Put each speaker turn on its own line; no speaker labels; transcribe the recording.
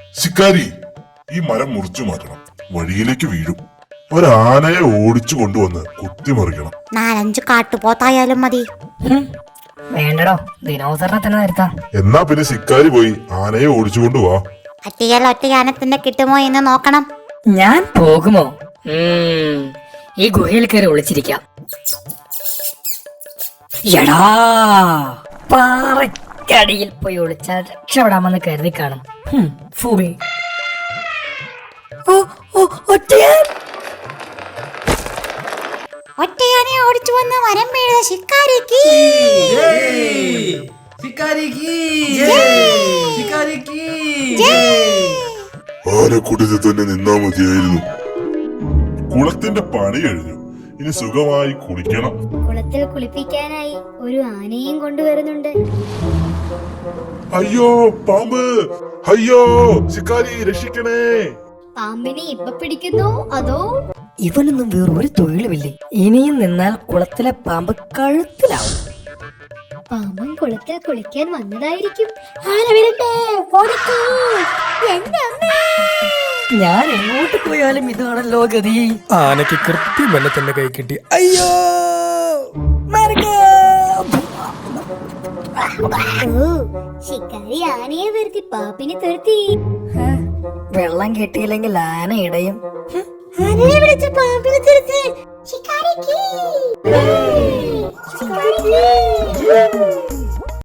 ശിക്കാരി, ഈ മരം മുറിച്ചു മാറ്റണം. വഴിയിലേക്ക് വീഴും. ഒരാനയെ ഓടിച്ചു കൊണ്ടുവന്ന് കുത്തിമറിക്കണം.
4-5 കാട്ടുപോത്തായാലും മതി.
വേണ്ടടോ, ദിനോസറിനെ തന്നെ നിർത്താം.
എന്നാ പിന്നെ ശിക്കാരി പോയി ആനയെ ഓടിച്ചു കൊണ്ടുവാ.
പറ്റിയാൽ ഒറ്റ ആനത്തിന്റെ കിട്ടുമോ എന്ന് നോക്കണം.
ഞാൻ പോകുമോ? ഈ ഗുഹയിൽ കയറി ഒളിച്ചിരിക്കാം. എടാ, പാറക്കടിയിൽ പോയി ഒളിച്ചാൽ രക്ഷപ്പെടാമെന്ന് കരുതി കാണും. ഫൂൾ.
ഒറ്റയാനെ ഓടിച്ചു വന്ന് മരം വീഴുന്ന ശിക്കാരിക്ക്
ആനക്കൂട്ടത്തിൽ തന്നെ നിന്നാ മതിയായിരുന്നു. കുളത്തിന്റെ പണി കഴിഞ്ഞു. ഇനി സുഖമായി കുളിക്കണം.
കുളത്തിൽ കുളിപ്പിക്കാനായി ഒരു ആനയും കൊണ്ടുവരുന്നുണ്ട്.
അയ്യോ പാമ്പ്! അയ്യോ ശിക്കാരി, രക്ഷിക്കണേ!
പാമ്പിനെ ഇപ്പൊ പിടിക്കുന്നു അതോ?
ഇവനൊന്നും വേറൊരു തൊഴിലുമില്ലേ. ഇനിയും നിന്നാൽ കുളത്തിലെ പാമ്പ് കഴുത്തിലാവും.
പാമ്പൻ കുളത്തിൽ കുളിക്കാൻ വന്നതായിരിക്കും.
ഞാൻ എങ്ങോട്ട് പോയാലും ഇതാണല്ലോ ഗതി.
ആനയ്ക്ക് കൃത്യം എന്നെ തന്നെ കൈ കിട്ടി. അയ്യോ,
ശിക്കാരി ആനയെ വരുത്തി പാമ്പിനെ തുരത്തി.
വെള്ളം കിട്ടിയില്ലെങ്കിൽ ആന ഇടയും.
ആനയെ വിളിച്ച് പാമ്പിനെ തുരത്തി. ശിക്കാരിക്ക്